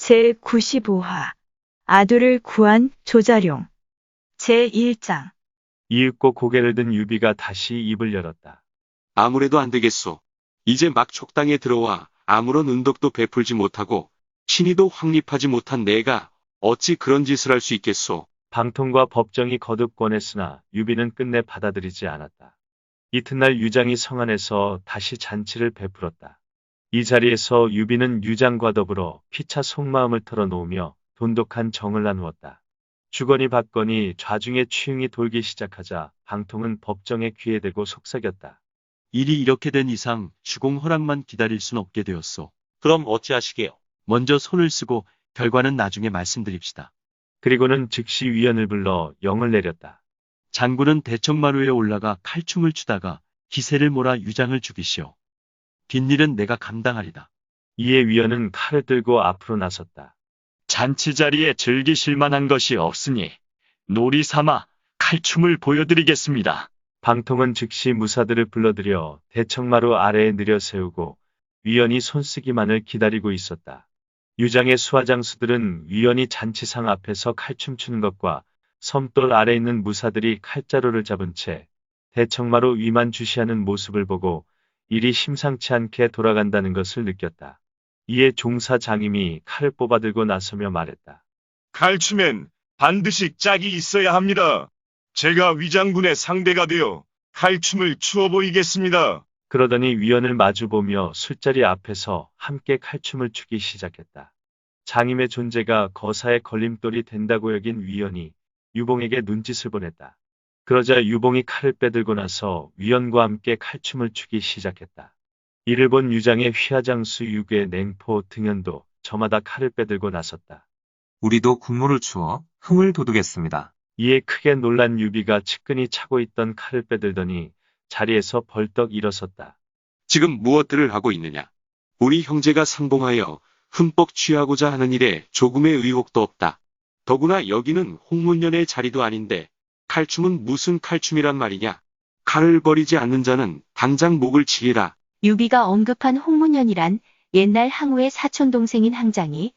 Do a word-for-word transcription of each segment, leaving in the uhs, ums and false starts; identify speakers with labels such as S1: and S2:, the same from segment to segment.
S1: 제구십오 화 아두를 구한 조자룡 제일 장
S2: 이윽고 고개를 든 유비가 다시 입을 열었다.
S3: 아무래도 안 되겠소. 이제 막 촉당에 들어와 아무런 은덕도 베풀지 못하고 신의도 확립하지 못한 내가 어찌 그런 짓을 할 수 있겠소.
S2: 방통과 법정이 거듭 권했으나 유비는 끝내 받아들이지 않았다. 이튿날 유장이 성안에서 다시 잔치를 베풀었다. 이 자리에서 유비는 유장과 더불어 피차 속마음을 털어놓으며 돈독한 정을 나누었다. 주거니 받거니 좌중의 취흥이 돌기 시작하자 방통은 법정의 귀에 대고 속삭였다.
S4: 일이 이렇게 된 이상 주공 허락만 기다릴 순 없게 되었소.
S5: 그럼 어찌하시게요?
S4: 먼저 손을 쓰고 결과는 나중에 말씀드립시다.
S2: 그리고는 즉시 위원을 불러 영을 내렸다.
S4: 장군은 대청마루에 올라가 칼춤을 추다가 기세를 몰아 유장을 죽이시오. 빈일은 내가 감당하리다.
S2: 이에 위원은 칼을 들고 앞으로 나섰다.
S6: 잔치 자리에 즐기실 만한 것이 없으니 놀이 삼아 칼춤을 보여드리겠습니다.
S2: 방통은 즉시 무사들을 불러들여 대청마루 아래에 내려세우고 위원이 손쓰기만을 기다리고 있었다. 유장의 수하장수들은 위원이 잔치상 앞에서 칼춤 추는 것과 섬돌 아래 있는 무사들이 칼자루를 잡은 채 대청마루 위만 주시하는 모습을 보고 일이 심상치 않게 돌아간다는 것을 느꼈다. 이에 종사 장임이 칼을 뽑아들고 나서며 말했다.
S7: 칼춤엔 반드시 짝이 있어야 합니다. 제가 위장군의 상대가 되어 칼춤을 추어 보이겠습니다.
S2: 그러더니 위원을 마주보며 술자리 앞에서 함께 칼춤을 추기 시작했다. 장임의 존재가 거사의 걸림돌이 된다고 여긴 위원이 유봉에게 눈짓을 보냈다. 그러자 유봉이 칼을 빼들고 나서 위원과 함께 칼춤을 추기 시작했다. 이를 본 유장의 휘하장수 유괴 냉포 등현도 저마다 칼을 빼들고 나섰다.
S8: 우리도 군무를 추어 흥을 돋우겠습니다.
S2: 이에 크게 놀란 유비가 측근히 차고 있던 칼을 빼들더니 자리에서 벌떡 일어섰다.
S3: 지금 무엇들을 하고 있느냐. 우리 형제가 상봉하여 흠뻑 취하고자 하는 일에 조금의 의혹도 없다. 더구나 여기는 홍문년의 자리도 아닌데 칼춤은 무슨 칼춤이란 말이냐. 칼을 버리지 않는 자는 당장 목을 치리라.
S1: 유비가 언급한 홍문연이란 옛날 항우의 사촌동생인 항장이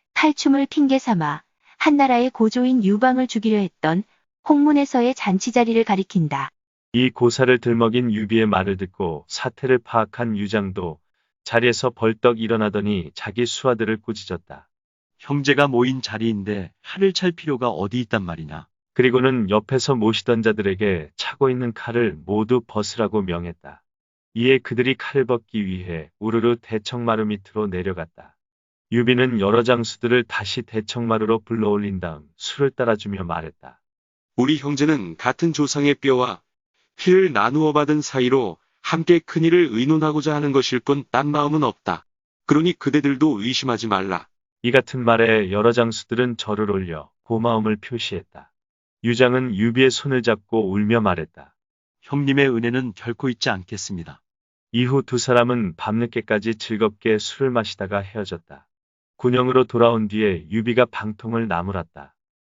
S1: 칼춤을 핑계 삼아 한나라의 고조인 유방을 죽이려 했던 홍문에서의 잔치 자리를 가리킨다.
S2: 이 고사를 들먹인 유비의 말을 듣고 사태를 파악한 유장도 자리에서 벌떡 일어나더니 자기 수하들을 꾸짖었다.
S4: 형제가 모인 자리인데 칼을 찰 필요가 어디 있단 말이냐.
S2: 그리고는 옆에서 모시던 자들에게 차고 있는 칼을 모두 벗으라고 명했다. 이에 그들이 칼을 벗기 위해 우르르 대청마루 밑으로 내려갔다. 유비는 여러 장수들을 다시 대청마루로 불러올린 다음 술을 따라주며 말했다.
S3: 우리 형제는 같은 조상의 뼈와 피를 나누어 받은 사이로 함께 큰일을 의논하고자 하는 것일 뿐 딴 마음은 없다. 그러니 그대들도 의심하지 말라.
S2: 이 같은 말에 여러 장수들은 절을 올려 고마움을 표시했다. 유장은 유비의 손을 잡고 울며 말했다.
S4: 형님의 은혜는 결코 잊지 않겠습니다.
S2: 이후 두 사람은 밤늦게까지 즐겁게 술을 마시다가 헤어졌다. 군영으로 돌아온 뒤에 유비가 방통을 나무랐다.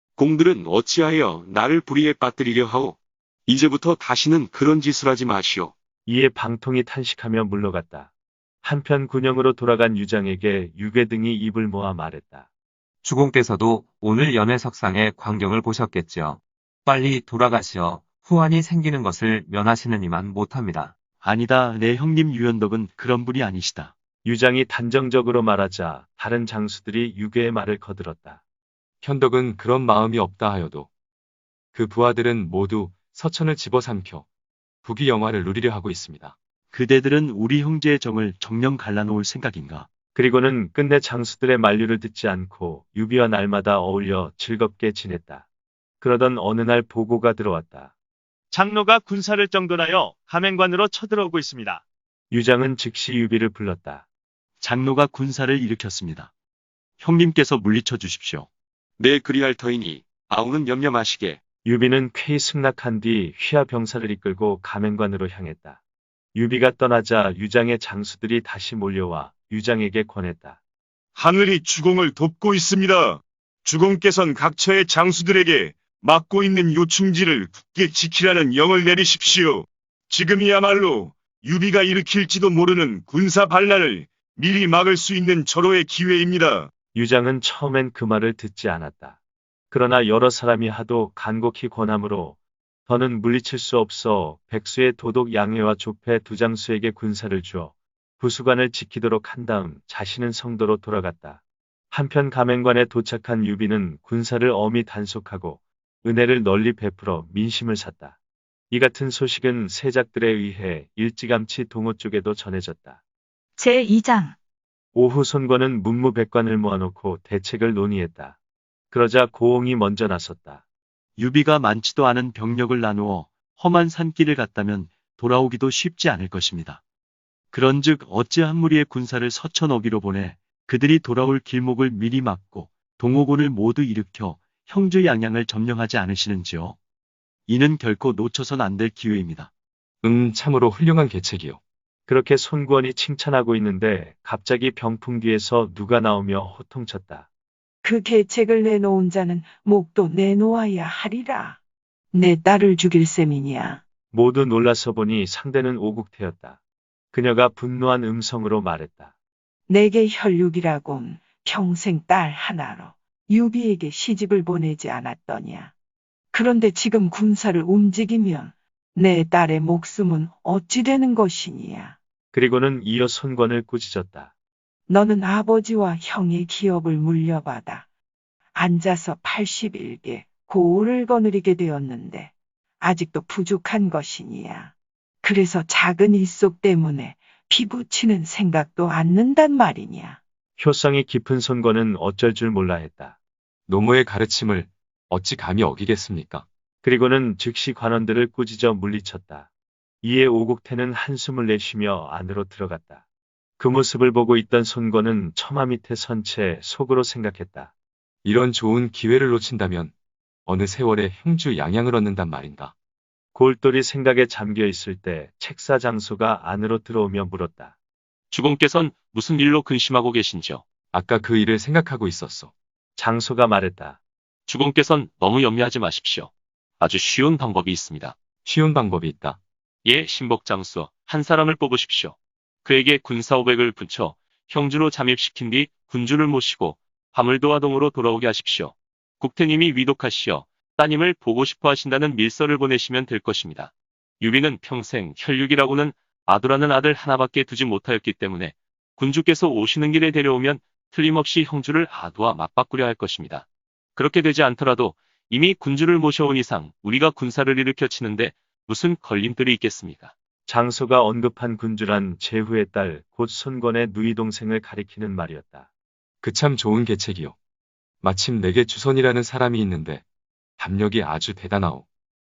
S3: 공들은 어찌하여 나를 불의에 빠뜨리려 하오. 이제부터 다시는 그런 짓을 하지 마시오.
S2: 이에 방통이 탄식하며 물러갔다. 한편 군영으로 돌아간 유장에게 유괴 등이 입을 모아 말했다.
S8: 주공께서도 오늘 연회석상의 광경을 보셨겠지요. 빨리 돌아가시어 후환이 생기는 것을 면하시는 이만 못합니다.
S4: 아니다. 내 형님 유연덕은 그런 분이 아니시다.
S2: 유장이 단정적으로 말하자 다른 장수들이 유괴의 말을 거들었다.
S9: 현덕은 그런 마음이 없다 하여도 그 부하들은 모두 서천을 집어삼켜 부귀 영화를 누리려 하고 있습니다.
S4: 그대들은 우리 형제의 정을 정령 갈라놓을 생각인가?
S2: 그리고는 끝내 장수들의 만류를 듣지 않고 유비와 날마다 어울려 즐겁게 지냈다. 그러던 어느 날 보고가 들어왔다.
S5: 장로가 군사를 정돈하여 가맹관으로 쳐들어오고 있습니다.
S2: 유장은 즉시 유비를 불렀다.
S4: 장로가 군사를 일으켰습니다. 형님께서 물리쳐 주십시오.
S3: 내 그리할 터이니 아우는 염려 마시게.
S2: 유비는 쾌히 승낙한 뒤 휘하 병사를 이끌고 가맹관으로 향했다. 유비가 떠나자 유장의 장수들이 다시 몰려와 유장에게 권했다.
S7: 하늘이 주공을 돕고 있습니다. 주공께선 각처의 장수들에게 맡고 있는 요충지를 굳게 지키라는 영을 내리십시오. 지금이야말로 유비가 일으킬지도 모르는 군사 반란을 미리 막을 수 있는 절호의 기회입니다.
S2: 유장은 처음엔 그 말을 듣지 않았다. 그러나 여러 사람이 하도 간곡히 권하므로 더는 물리칠 수 없어 백수의 도독 양해와 조폐 두장수에게 군사를 주어 부수관을 지키도록 한 다음 자신은 성도로 돌아갔다. 한편 가맹관에 도착한 유비는 군사를 엄히 단속하고 은혜를 널리 베풀어 민심을 샀다. 이 같은 소식은 세작들에 의해 일찌감치 동호 쪽에도 전해졌다.
S10: 제이 장
S2: 오후 손권은 문무백관을 모아놓고 대책을 논의했다. 그러자 고홍이 먼저 나섰다.
S4: 유비가 많지도 않은 병력을 나누어 험한 산길을 갔다면 돌아오기도 쉽지 않을 것입니다. 그런즉 어찌 한 무리의 군사를 서천 어기로 보내 그들이 돌아올 길목을 미리 막고 동호군을 모두 일으켜 형주 양양을 점령하지 않으시는지요? 이는 결코 놓쳐선 안 될 기회입니다.
S9: 음, 참으로 훌륭한 계책이요.
S2: 그렇게 손권이 칭찬하고 있는데 갑자기 병풍 뒤에서 누가 나오며 호통쳤다.
S11: 그 계책을 내놓은 자는 목도 내놓아야 하리라. 내 딸을 죽일 셈이냐.
S2: 모두 놀라서 보니 상대는 오국태였다. 그녀가 분노한 음성으로 말했다.
S11: 내게 혈육이라곤 평생 딸 하나로 유비에게 시집을 보내지 않았더냐. 그런데 지금 군사를 움직이면 내 딸의 목숨은 어찌 되는 것이냐.
S2: 그리고는 이어 손권을 꾸짖었다.
S11: 너는 아버지와 형의 기업을 물려받아 앉아서 팔십일 개 고을을 거느리게 되었는데 아직도 부족한 것이니야. 그래서 작은 일속 때문에 피부치는 생각도 않는단 말이냐.
S2: 효성이 깊은 손권은 어쩔 줄 몰라 했다.
S9: 노무의 가르침을 어찌 감히 어기겠습니까?
S2: 그리고는 즉시 관원들을 꾸짖어 물리쳤다. 이에 오국태는 한숨을 내쉬며 안으로 들어갔다. 그 모습을 보고 있던 손권은 처마 밑에 선 채 속으로 생각했다.
S9: 이런 좋은 기회를 놓친다면 어느 세월에 형주 양양을 얻는단 말인가.
S2: 골똘히 생각에 잠겨 있을 때 책사 장소가 안으로 들어오며 물었다.
S3: 주공께선 무슨 일로 근심하고 계신지요?
S9: 아까 그 일을 생각하고 있었소.
S2: 장소가 말했다.
S3: 주공께선 너무 염려하지 마십시오. 아주 쉬운 방법이 있습니다.
S9: 쉬운 방법이 있다.
S3: 예, 신복장수 한 사람을 뽑으십시오. 그에게 군사 오백을 붙여 형주로 잠입시킨 뒤 군주를 모시고 화물도화동으로 돌아오게 하십시오. 국태님이 위독하시어 따님을 보고 싶어 하신다는 밀서를 보내시면 될 것입니다. 유비는 평생 혈육이라고는 아두라는 아들 하나밖에 두지 못하였기 때문에 군주께서 오시는 길에 데려오면 틀림없이 형주를 아두와 맞바꾸려 할 것입니다. 그렇게 되지 않더라도 이미 군주를 모셔온 이상 우리가 군사를 일으켜 치는데 무슨 걸림돌이 있겠습니까?
S2: 장소가 언급한 군주란 제후의 딸 곧 손권의 누이 동생을 가리키는 말이었다.
S9: 그 참 좋은 계책이요. 마침 내게 주선이라는 사람이 있는데 담력이 아주 대단하오.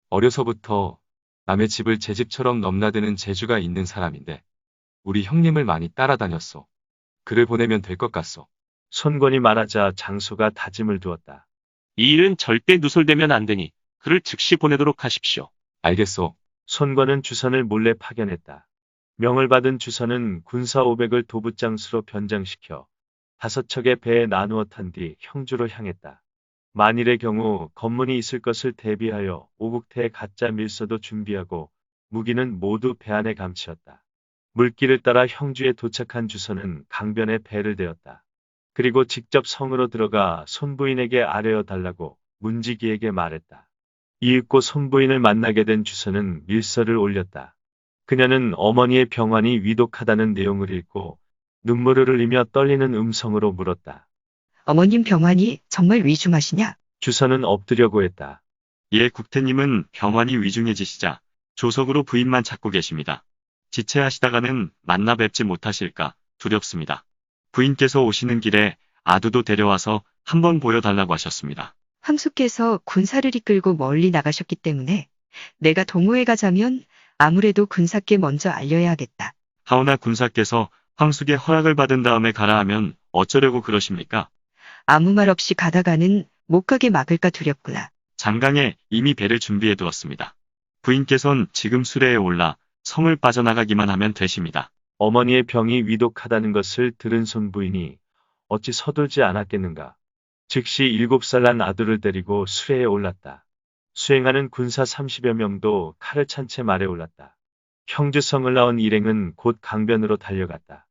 S9: 어려서부터 남의 집을 제 집처럼 넘나드는 재주가 있는 사람인데 우리 형님을 많이 따라다녔소. 그를 보내면 될 것 같소.
S2: 손권이 말하자 장소가 다짐을 두었다.
S3: 이 일은 절대 누설되면 안 되니 그를 즉시 보내도록 하십시오.
S9: 알겠소.
S2: 손권은 주선을 몰래 파견했다. 명을 받은 주선은 군사 오백을 도부장수로 변장시켜 다섯 척의 배에 나누어 탄 뒤 형주로 향했다. 만일의 경우 검문이 있을 것을 대비하여 오국태의 가짜 밀서도 준비하고 무기는 모두 배 안에 감추었다. 물길을 따라 형주에 도착한 주선은 강변에 배를 대었다. 그리고 직접 성으로 들어가 손부인에게 아뢰어 달라고 문지기에게 말했다. 이윽고 손부인을 만나게 된 주선은 밀서를 올렸다. 그녀는 어머니의 병환이 위독하다는 내용을 읽고 눈물을 흘리며 떨리는 음성으로 물었다.
S10: 어머님 병환이 정말 위중하시냐?
S2: 주선은 엎드려고 했다.
S12: 예, 국태님은 병환이 위중해지시자 조석으로 부인만 찾고 계십니다. 지체하시다가는 만나 뵙지 못하실까 두렵습니다. 부인께서 오시는 길에 아두도 데려와서 한번 보여달라고 하셨습니다.
S10: 황수께서 군사를 이끌고 멀리 나가셨기 때문에 내가 동호회 가자면 아무래도 군사께 먼저 알려야 하겠다.
S12: 하오나 군사께서 황숙의 허락을 받은 다음에 가라 하면 어쩌려고 그러십니까?
S10: 아무 말 없이 가다가는 못 가게 막을까 두렵구나.
S12: 장강에 이미 배를 준비해 두었습니다. 부인께선 지금 수레에 올라 성을 빠져나가기만 하면 되십니다.
S2: 어머니의 병이 위독하다는 것을 들은 손부인이 어찌 서둘지 않았겠는가. 즉시 일곱 살 난 아들을 데리고 수레에 올랐다. 수행하는 군사 삼십여 명도 칼을 찬 채 말에 올랐다. 형주성을 나온 일행은 곧 강변으로 달려갔다.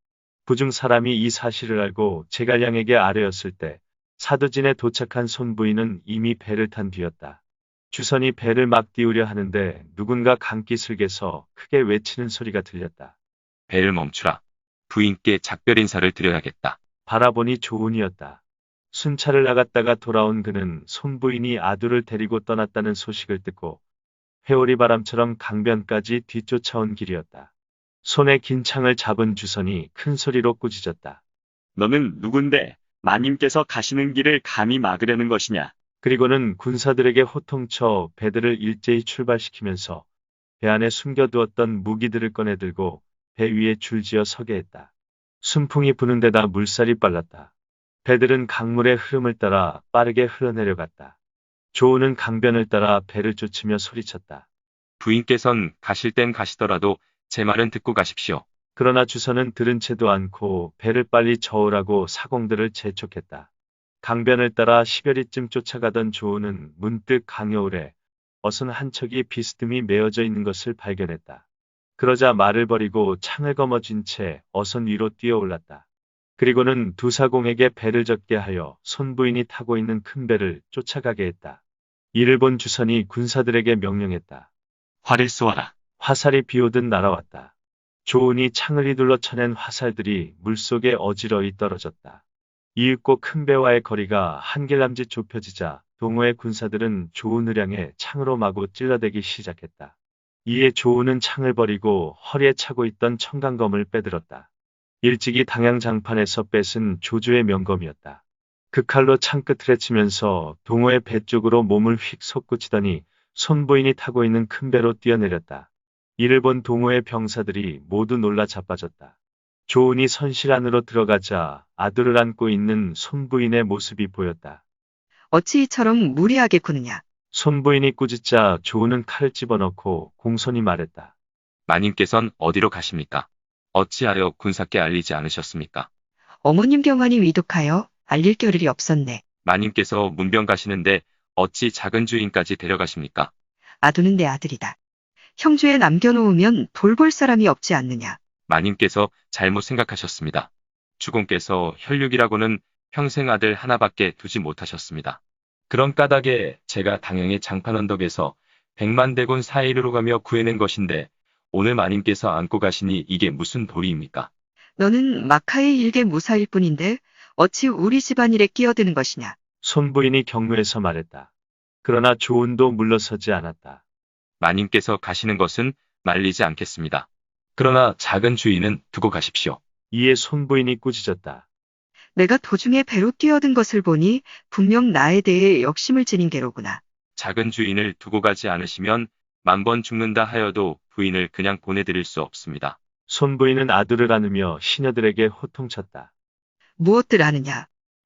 S2: 부중 사람이 이 사실을 알고 제갈량에게 아뢰었을 때 사두진에 도착한 손부인은 이미 배를 탄 뒤였다. 주선이 배를 막 띄우려 하는데 누군가 강기슭에서 크게 외치는 소리가 들렸다.
S8: 배를 멈추라. 부인께 작별 인사를 드려야겠다.
S2: 바라보니 조은이었다. 순찰을 나갔다가 돌아온 그는 손부인이 아두를 데리고 떠났다는 소식을 듣고 회오리 바람처럼 강변까지 뒤쫓아온 길이었다. 손에 긴 창을 잡은 주선이 큰 소리로 꾸짖었다.
S12: 너는 누군데 마님께서 가시는 길을 감히 막으려는 것이냐?
S2: 그리고는 군사들에게 호통쳐 배들을 일제히 출발시키면서 배 안에 숨겨두었던 무기들을 꺼내들고 배 위에 줄지어 서게 했다. 순풍이 부는 데다 물살이 빨랐다. 배들은 강물의 흐름을 따라 빠르게 흘러내려갔다. 조우는 강변을 따라 배를 쫓으며 소리쳤다.
S8: 부인께선 가실 땐 가시더라도 제 말은 듣고 가십시오.
S2: 그러나 주선은 들은 채도 않고 배를 빨리 저으라고 사공들을 재촉했다. 강변을 따라 십여리쯤 쫓아가던 조우는 문득 강여울에 어선 한 척이 비스듬히 메어져 있는 것을 발견했다. 그러자 말을 버리고 창을 거머쥔 채 어선 위로 뛰어올랐다. 그리고는 두 사공에게 배를 젓게 하여 손부인이 타고 있는 큰 배를 쫓아가게 했다. 이를 본 주선이 군사들에게 명령했다.
S12: 활을 쏘아라.
S2: 화살이 비오듯 날아왔다. 조은이 창을 휘둘러 쳐낸 화살들이 물속에 어지러이 떨어졌다. 이윽고 큰 배와의 거리가 한길남짓 좁혀지자 동호의 군사들은 조은을 향해 창으로 마구 찔러대기 시작했다. 이에 조은은 창을 버리고 허리에 차고 있던 청강검을 빼들었다. 일찍이 당양장판에서 뺏은 조조의 명검이었다. 그 칼로 창끝을 헤치면서 동호의 배 쪽으로 몸을 휙 솟구치더니 손부인이 타고 있는 큰 배로 뛰어내렸다. 이를 본 동호의 병사들이 모두 놀라 자빠졌다. 조은이 선실 안으로 들어가자 아들을 안고 있는 손부인의 모습이 보였다.
S10: 어찌 이처럼 무리하게 구느냐?
S2: 손부인이 꾸짖자 조은은 칼을 집어넣고 공손히 말했다.
S8: 마님께선 어디로 가십니까? 어찌하여 군사께 알리지 않으셨습니까?
S10: 어머님 병환이 위독하여 알릴 겨를이 없었네.
S8: 마님께서 문병 가시는데 어찌 작은 주인까지 데려가십니까?
S10: 아두는 내 아들이다. 형주에 남겨놓으면 돌볼 사람이 없지 않느냐.
S8: 마님께서 잘못 생각하셨습니다. 주공께서 혈육이라고는 평생 아들 하나밖에 두지 못하셨습니다. 그런 까닭에 제가 당양의 장판 언덕에서 백만 대군 사이르로 가며 구해낸 것인데 오늘 마님께서 안고 가시니 이게 무슨 도리입니까?
S10: 너는 마카의 일개 무사일 뿐인데 어찌 우리 집안일에 끼어드는 것이냐.
S2: 손부인이 경무해서 말했다. 그러나 조은도 물러서지 않았다.
S8: 마님께서 가시는 것은 말리지 않겠습니다. 그러나 작은 주인은 두고 가십시오.
S2: 이에 손부인이 꾸짖었다.
S10: 내가 도중에 배로 뛰어든 것을 보니 분명 나에 대해 역심을 지닌 게로구나.
S8: 작은 주인을 두고 가지 않으시면 만 번 죽는다 하여도 부인을 그냥 보내드릴 수 없습니다.
S2: 손부인은 아들을 안으며 시녀들에게 호통쳤다.
S10: 무엇들 아느냐.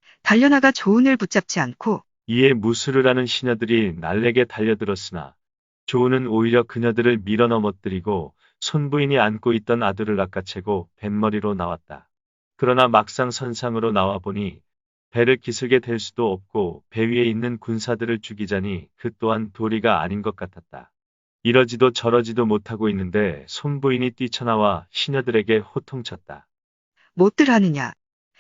S10: 달려나가 조은을 붙잡지 않고.
S2: 이에 무술을 하는 시녀들이 날래게 달려들었으나 조은은 오히려 그녀들을 밀어 넘어뜨리고 손부인이 안고 있던 아들을 낚아채고 뱃머리로 나왔다. 그러나 막상 선상으로 나와 보니 배를 기슬게 될 수도 없고 배 위에 있는 군사들을 죽이자니 그 또한 도리가 아닌 것 같았다. 이러지도 저러지도 못하고 있는데 손부인이 뛰쳐나와 시녀들에게 호통쳤다.
S10: 못들 하느냐.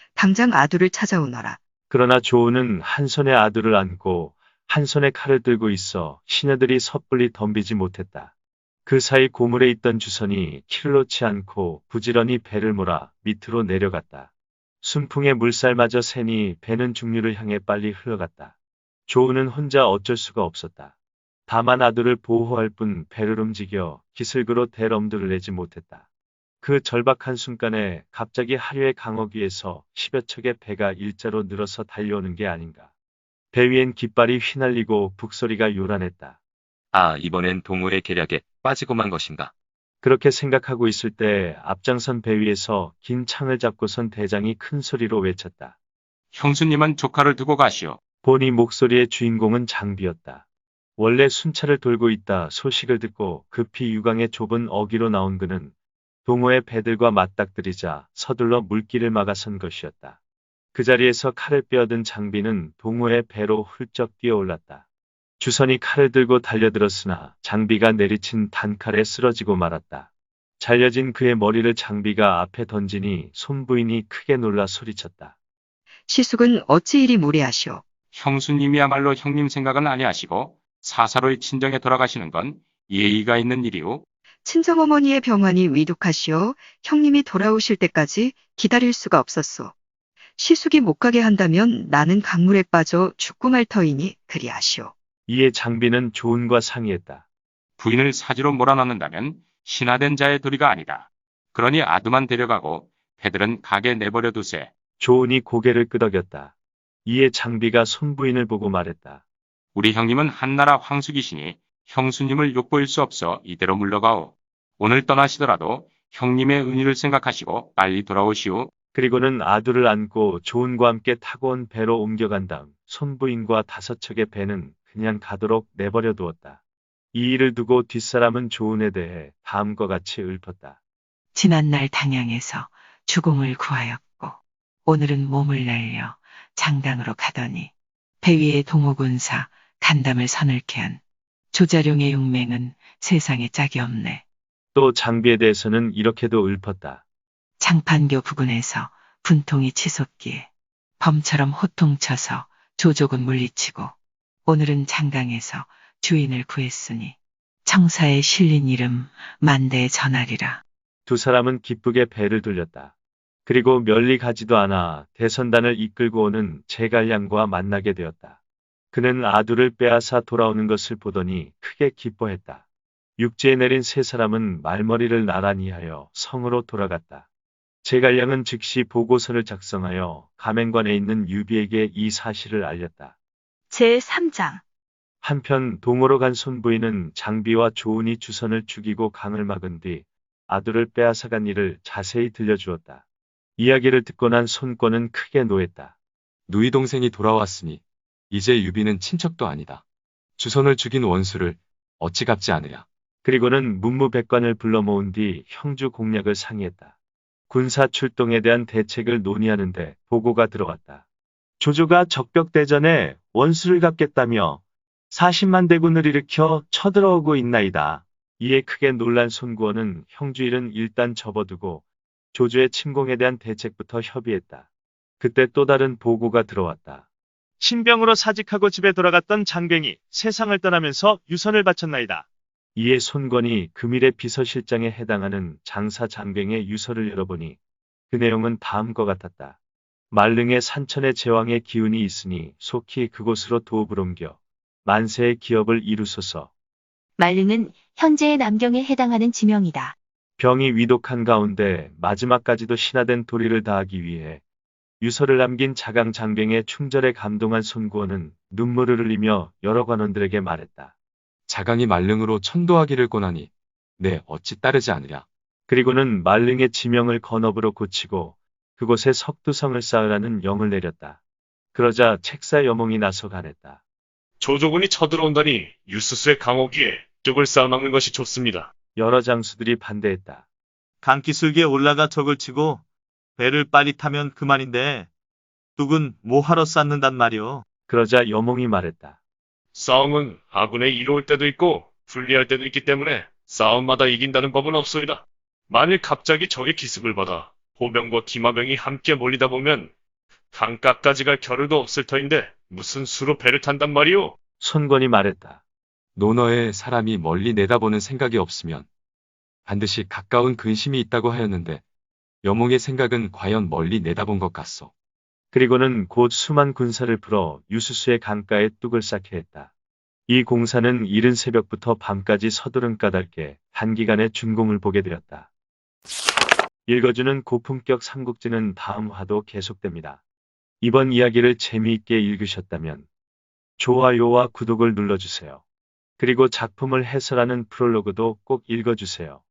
S10: 당장 아두를 찾아오너라.
S2: 그러나 조은은 한 손에 아두를 안고 한 손에 칼을 들고 있어 시녀들이 섣불리 덤비지 못했다. 그 사이 고물에 있던 주선이 키를 놓지 않고 부지런히 배를 몰아 밑으로 내려갔다. 순풍에 물살마저 새니 배는 중류를 향해 빨리 흘러갔다. 조은은 혼자 어쩔 수가 없었다. 다만 아두를 보호할 뿐 배를 움직여 기슭으로 대럼들을 내지 못했다. 그 절박한 순간에 갑자기 하류의 강억 위에서 십여 척의 배가 일자로 늘어서 달려오는 게 아닌가. 배 위엔 깃발이 휘날리고 북소리가 요란했다.
S8: 아, 이번엔 동호의 계략에 빠지고 만 것인가.
S2: 그렇게 생각하고 있을 때 앞장선 배 위에서 긴 창을 잡고선 대장이 큰 소리로 외쳤다.
S3: 형수님은 조카를 두고 가시오.
S2: 보니 목소리의 주인공은 장비였다. 원래 순찰을 돌고 있다 소식을 듣고 급히 유강의 좁은 어귀로 나온 그는 동호의 배들과 맞닥뜨리자 서둘러 물길을 막아선 것이었다. 그 자리에서 칼을 빼어든 장비는 동호의 배로 훌쩍 뛰어올랐다. 주선이 칼을 들고 달려들었으나 장비가 내리친 단칼에 쓰러지고 말았다. 잘려진 그의 머리를 장비가 앞에 던지니 손부인이 크게 놀라 소리쳤다.
S10: 시숙은 어찌 이리 무례하시오.
S8: 형수님이야말로 형님 생각은 아니하시고 사사로이 친정에 돌아가시는 건 예의가 있는 일이오.
S10: 친정어머니의 병환이 위독하시오. 형님이 돌아오실 때까지 기다릴 수가 없었소. 시숙이 못 가게 한다면 나는 강물에 빠져 죽고 말 터이니 그리하시오.
S2: 이에 장비는 조은과 상의했다.
S8: 부인을 사지로 몰아넣는다면 신하된 자의 도리가 아니다. 그러니 아두만 데려가고 배들은 가게 내버려 두세.
S2: 조은이 고개를 끄덕였다. 이에 장비가 손부인을 보고 말했다.
S8: 우리 형님은 한나라 황숙이시니 형수님을 욕보일 수 없어 이대로 물러가오. 오늘 떠나시더라도 형님의 은희를 생각하시고 빨리 돌아오시오.
S2: 그리고는 아두를 안고 조은과 함께 타고 온 배로 옮겨간 다음 손부인과 다섯 척의 배는 그냥 가도록 내버려 두었다. 이 일을 두고 뒷사람은 조은에 대해 다음과 같이 읊었다.
S11: 지난날 당양에서 주공을 구하였고 오늘은 몸을 날려 장당으로 가더니 배 위에 동호군사 간담을 서늘케 한 조자룡의 용맹은 세상에 짝이 없네.
S2: 또 장비에 대해서는 이렇게도 읊었다.
S11: 장판교 부근에서 분통이 치솟기에 범처럼 호통쳐서 조족은 물리치고 오늘은 장강에서 주인을 구했으니 청사에 실린 이름 만대에 전하리라.
S2: 두 사람은 기쁘게 배를 돌렸다. 그리고 멀리 가지도 않아 대선단을 이끌고 오는 제갈량과 만나게 되었다. 그는 아두를 빼앗아 돌아오는 것을 보더니 크게 기뻐했다. 육지에 내린 세 사람은 말머리를 나란히 하여 성으로 돌아갔다. 제갈량은 즉시 보고서를 작성하여 가맹관에 있는 유비에게 이 사실을 알렸다.
S1: 제삼 장.
S2: 한편 동으로 간 손부인은 장비와 조은이 주선을 죽이고 강을 막은 뒤 아두를 빼앗아간 일을 자세히 들려주었다. 이야기를 듣고 난 손권은 크게 노했다.
S9: 누이 동생이 돌아왔으니 이제 유비는 친척도 아니다. 주선을 죽인 원수를 어찌 갚지 않으랴.
S2: 그리고는 문무백관을 불러 모은 뒤 형주 공략을 상의했다. 군사 출동에 대한 대책을 논의하는데 보고가 들어왔다. 조조가 적벽대전에 원수를 갚겠다며 사십만 대군을 일으켜 쳐들어오고 있나이다. 이에 크게 놀란 손구원은 형주 일은 일단 접어두고 조조의 침공에 대한 대책부터 협의했다. 그때 또 다른 보고가 들어왔다.
S5: 신병으로 사직하고 집에 돌아갔던 장뱅이 세상을 떠나면서 유선을 바쳤나이다.
S2: 이에 손권이 금일의 비서실장에 해당하는 장사 장뱅의 유서를 열어보니 그 내용은 다음과 같았다. 말릉의 산천의 제왕의 기운이 있으니 속히 그곳으로 도읍을 옮겨 만세의 기업을 이루소서.
S1: 말릉은 현재의 남경에 해당하는 지명이다.
S2: 병이 위독한 가운데 마지막까지도 신하된 도리를 다하기 위해 유서를 남긴 자강 장뱅의 충절에 감동한 손구원은 눈물을 흘리며 여러 관원들에게 말했다.
S9: 자강이 말릉으로 천도하기를 권하니 내 어찌 따르지 않으랴.
S2: 그리고는 말릉의 지명을 건업으로 고치고 그곳에 석두성을 쌓으라는 영을 내렸다. 그러자 책사 여몽이 나서 가냈다.
S7: 조조군이 쳐들어온다니 유스스의 강호기에 뚝을 쌓아막는 것이 좋습니다.
S2: 여러 장수들이 반대했다.
S5: 강기슭에 올라가 적을 치고 배를 빨리 타면 그만인데 뚝은 뭐하러 쌓는단 말이오.
S2: 그러자 여몽이 말했다.
S7: 싸움은 아군에 이로울 때도 있고 불리할 때도 있기 때문에 싸움마다 이긴다는 법은 없소이다. 만일 갑자기 적의 기습을 받아 호병과 기마병이 함께 몰리다 보면 강가까지 갈 겨를도 없을 터인데 무슨 수로 배를 탄단 말이오?
S2: 손권이 말했다.
S9: 논어에 사람이 멀리 내다보는 생각이 없으면 반드시 가까운 근심이 있다고 하였는데 여몽의 생각은 과연 멀리 내다본 것 같소.
S2: 그리고는 곧 수만 군사를 풀어 유수수의 강가에 뚝을 쌓게 했다. 이 공사는 이른 새벽부터 밤까지 서두른 까닭에 단기간에 준공을 보게 되었다. 읽어주는 고품격 삼국지는 다음 화도 계속됩니다. 이번 이야기를 재미있게 읽으셨다면 좋아요와 구독을 눌러주세요. 그리고 작품을 해설하는 프롤로그도 꼭 읽어주세요.